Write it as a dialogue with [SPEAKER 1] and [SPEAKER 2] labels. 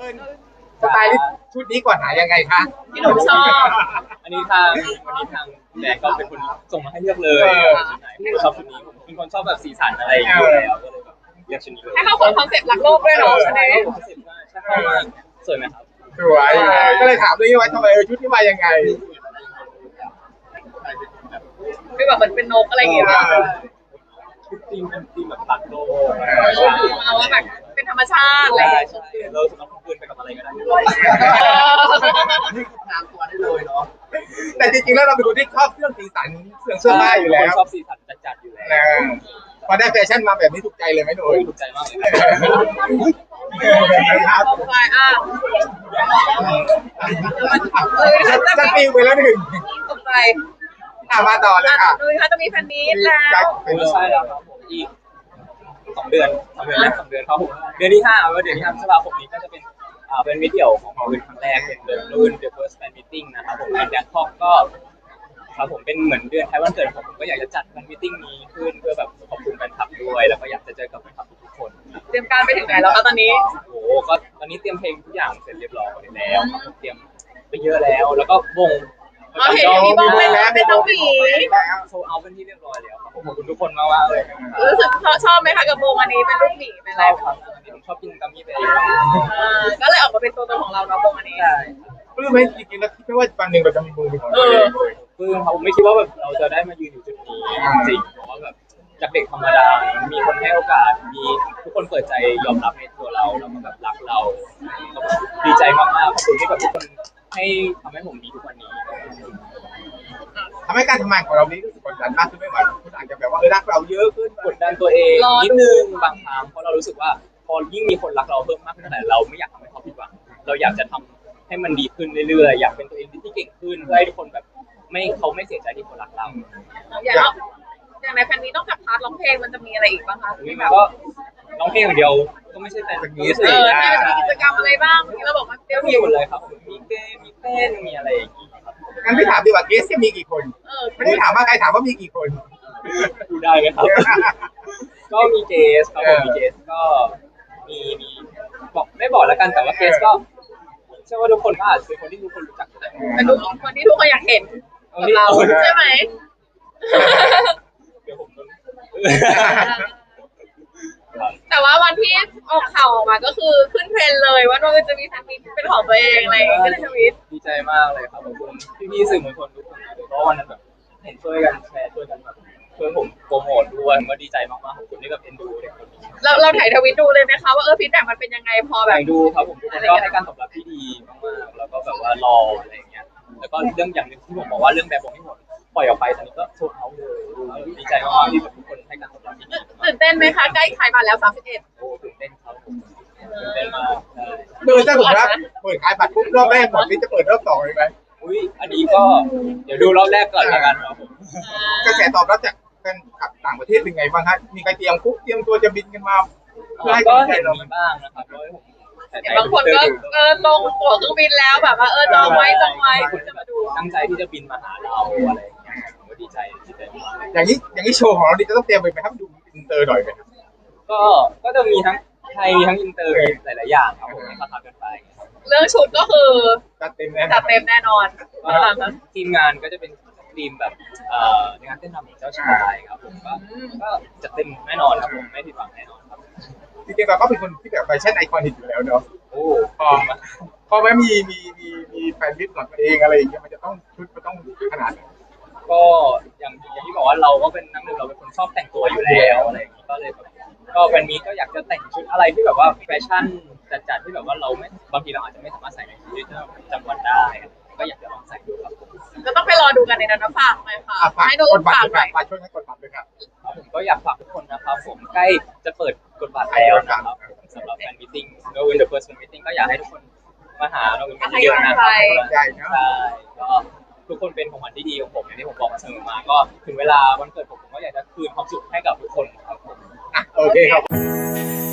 [SPEAKER 1] สไตล์ชุดนี้ก่อนหายังไงคะ
[SPEAKER 2] ที่หนูชอบ
[SPEAKER 3] อันนี้ทางแบรนด์ก็เป็นคนส่งมาให้เลือกเลยชุดไหนผมชอบชุดนี้ผมเป็นคนชอบแบบสีสันอะไรอย่างเงี้ยแล้วก็เลยแบบเลือกชุดนี้เลย
[SPEAKER 2] ให้เข้ากับคอนเซ็ปต์รักโลกด้วยเนาะใช่ไหม
[SPEAKER 3] ใช่มากสวยไหมครับ
[SPEAKER 1] สวยก็เลยถามด้วยว่าทำไมชุดนี้มายังไง
[SPEAKER 2] คือแบบเหมือนเป็นนกอะไรอย่างเงี้ย
[SPEAKER 3] ชุดธีมเป็นธีมแบบรักโลก
[SPEAKER 2] เอาว่าแบบเป็นธรรมชาติอะไรอย่างเงี้ย
[SPEAKER 3] เราสามารถคลุมคืนไปกับอะไรก็ได้นี่คือตามตัวได้เลยเนาะ
[SPEAKER 1] แต่จริงๆแล้วเราเป็นคนที่ชอบเครื่องสีสันเครื่องเสื้อผ้าอยู่แล้ว
[SPEAKER 3] ชอบสีสันจัดๆอยู่แล้ว
[SPEAKER 1] พอได้แฟชั่นมาแบบนี้ถูกใจเลยไหมหนู
[SPEAKER 3] ถูกใจมากเลย
[SPEAKER 2] ตกใจ
[SPEAKER 1] จะปิวไปแล้วหนึ่ง
[SPEAKER 2] ตกใจ
[SPEAKER 1] มาต่อเลยค่ะ
[SPEAKER 2] ดูค่ะจะมีแฟนมีตแล้ว
[SPEAKER 3] ใช่แล้วครับผมอีก2 เดือนครับผมเดือนที่5ว่าเดือนที่5พฤษภาคมนี้ก็จะเป็นมิตรเดี่ยวของเราเป็นครั้งแรกเป็นรุ่น The First Fan Meeting นะครับผมในแบงคอกก็ครับผมเป็นเหมือนเดือนท้ายวันเกิดผมก็อยากจะจัดแฟนมีตติ้งนี้ขึ้นเพื่อแบบขอบคุณแฟนคลับด้วยแล้วก็อยากจะเจอกับแฟนคลับทุกคน
[SPEAKER 2] เตรียมการไปถึงไหนแล้วคะตอนนี้
[SPEAKER 3] โอ้ก็ตอนนี้เตรียมเพลงทุกอย่างเสร็จเรียบร้อยแล้วเตรียมไปเยอะแล้วแล้วก็วง
[SPEAKER 2] เห็นมีวงแล้วเป็นน้องหมี
[SPEAKER 3] โชว์เอาเป็นที่เรียบร้อยแล้วครับผมขอบคุณทุกคนมากๆเลย
[SPEAKER 2] รู้สึกชอบไหมคะกับวงอันนี้เป็นลูกหมีเป็นอะไร
[SPEAKER 3] ครับผมชอบกินกัมมี่ไป
[SPEAKER 2] ก็เลยออกมาเป็นตัวตนของเราเนาะวงอันนี้
[SPEAKER 1] ปลื้มไหมจริงๆแล้วคิดว่าวันหนึ่งเราจะมีวงเป็นของตัวเองเลย
[SPEAKER 3] ปลื้มครับผมไม่คิดว่าแบบเราจะได้มายืนอยู่จุดนี้จริงเพราะว่าแบบจากเด็กธรรมดามีคนให้โอกาสมีทุกคนเปิดใจยอมรับในตัวเราแล้วก็แบบรักเราดีใจมากๆขอบคุณที่แบบทุกคนให้ทำให้ผมมีทุกวันนี้
[SPEAKER 1] ทำให้การทำงานของเรานี้รู้สึกกดดันมากขึ้นไม่ไหวคุณอาจจะแบบว่ารักเราเยอะขึ้น
[SPEAKER 3] กดดันตัวเองนิดนึงบางครั้งเพราะเรารู้สึกว่าพอยิ่งมีคนรักเราเพิ่มมากขึ้นเท่าไหร่เราไม่อยากทำให้เขาผิดหวังเราอยากจะทำให้มันดีขึ้นเรื่อยๆอยากเป็นตัวเองที่เก่งขึ้นเพื่อให้ทุกคนแบบเขาไม่เสียใจที่คนรักเรา
[SPEAKER 2] อย่างในแฟนนี้ต้องกับพาร์ทร้องเพลงมันจะมีอะไรอีกบ้างคะ
[SPEAKER 3] ที่แบบก็ร้องเพลงอย่างเดียวก็ไม่ใช่แต่
[SPEAKER 1] นี้
[SPEAKER 2] สิมีกิจกรรมอะไรบ้างที่เราบอกว่าเดี๋ยว
[SPEAKER 3] มีหมดเลยครับมีเกมมีเต้นมีอะไรอย่างงี้
[SPEAKER 1] งั้นพี่ถามดีกว่าเกสมีกี่คนไม่ได้ถามว่าใครถามว่ามีกี่คน
[SPEAKER 3] ดูได้ไหมครับก็มีเกสครับผมมีเกสก็มีบอกไม่บอกแล้วกันแต่ว่าเกสก็เชื่อว่าทุกคนก็อาจจะเป็นคนที่ทุกคนรู้จัก
[SPEAKER 2] เป็นคนที่ทุกคนอยากเห็นเราใช่ไหม
[SPEAKER 3] เดี๋ยวผม
[SPEAKER 2] แต่ว่าวันที่ออกข่าวออกมาก็คือขึ้นเทรนเลยว่าเราจะมีแฟนมีเป็นของตัวเองอะไรก็เลยทวิต
[SPEAKER 3] ดีใจมากเลยครับขอบคุณพี่ๆสื่อมวลชนทุกคนเลยเพราะวันนั้นแบบเห็นช่วยกันแชร์ช่วยกันแบบช่วยผมโปรโมทด้วยก็ดีใจมากๆขอบคุณที่แบบเอ็นดูเด็กคนนี้
[SPEAKER 2] เราถ่ายทวิตดูเลยไหมคะว่าฟีดแบ็กมันเป็นยังไงพอแบบ
[SPEAKER 3] ดูครับผมก็ให้การตอบรับที่ดีมากๆแล้วก็แบบว่ารออะไรอย่างเงี้ยแล้วก็เรื่องอย่างนึงที่ผมบอกว่าเรื่องแบบผมไม่หมดปล่อยออกไปตอนนี้ก็โซลเอาท์เลยดีใจมากๆที่แบบทุกคนให้การตอบรับที่ดี
[SPEAKER 2] ตื่นเต้นไหมคะใกล้ขายบัตรแล้ว31
[SPEAKER 3] โอ้ตื่นเต้นครับตื่นเต้นมาก
[SPEAKER 1] ถ้าผมรับเปิดขายบัตรปุ๊บรอบแรกหมดนี้จะเปิดรอบ2เลยไหม
[SPEAKER 3] อุ้ยอันนี้ก็เดี๋ยวดูรอบแรกก่อนละกันครับผม
[SPEAKER 1] กระแสตอบรับจากแฟนคลับต่างประเทศเป็นไงบ้างฮะมีใครเตรียมตัวจะบินกันมา
[SPEAKER 3] ก็เห็นมีบ้างนะครับเพราะผม
[SPEAKER 2] บางคนก็ลงตั๋วเครื่องบินแล้วแบบว่าจองไว้จะมาดู
[SPEAKER 3] ตั้งใจที่จะบินมาหาเราอะไรอย่างเงี้ยผมก็ดีใจมาก
[SPEAKER 1] อย่างนี้โชว์ของเราดิจะต้องเตรียมไปไหมครับดูอินเตอร์หน่อยไหม
[SPEAKER 3] ก็จะมีทั้งไทยมีทั้งอินเตอร์มีหลายๆอย่างครับผมให้คากันไป
[SPEAKER 2] เรื่องชุดก็คือ
[SPEAKER 1] จัดเต็ม
[SPEAKER 2] แน่นอน
[SPEAKER 3] ทีมงานก็จะเป็นทีมแบบงานเต้นรำของเจ้าชายครับผมก็จะเต็มแน่นอนครับผมไม่ผิดหวังแน่นอนครับ
[SPEAKER 1] จริงๆเราก็เป็นคนที่แบบแฟชั่นไอคอนิกอยู่แล้วเนาะ
[SPEAKER 3] โอ้
[SPEAKER 1] พอไม่มีแฟนมิตรของตัวเองอะไรอย่างเงี้ยมันจะต้องชุดมันต้องขนาดไหน
[SPEAKER 3] ก็อย่างที่บอกว่าเราก็เป็นนักเรียนเราเป็นคนชอบแต่งตัวอยู่แล้วอะไรอย่างงี้ก็เลยก็วันนี้ก็อยากจะแต่งชุดอะไรที่แบบว่าแฟชั่นจัดที่แบบว่าเราไม่บางทีเราอาจจะไม่สามารถใส่ในชีวิตประจำวันได้ก็อยากจะลองใส่ดูครับ
[SPEAKER 2] ก็ต้องไปรอดูกันในนั้นนะฝากหน่อยค่ะให้ดูฝากหน่อย
[SPEAKER 1] ช่วยให้กดบัตรด้วยครับ
[SPEAKER 3] ผมก็อยากฝากทุกคนนะครับผมใกล้จะเปิดกดบัตรแล้วนะครับสำหรับแฟนมีตติ้งโนวินเดอะเฟิร์สแฟนมีตติ้งก็อยากให้ทุกคนมาหาเราเป็นเยอะนะครับใช่ก็ทุกคนเป็นของขวัญที่ดีของผมอย่างที่ผมบอกมาเสมอมาก็ถึงเวลาวันเกิดผมก็อยากจะคืนความสุขให้กับทุกคนครับผม
[SPEAKER 1] โอเคครับ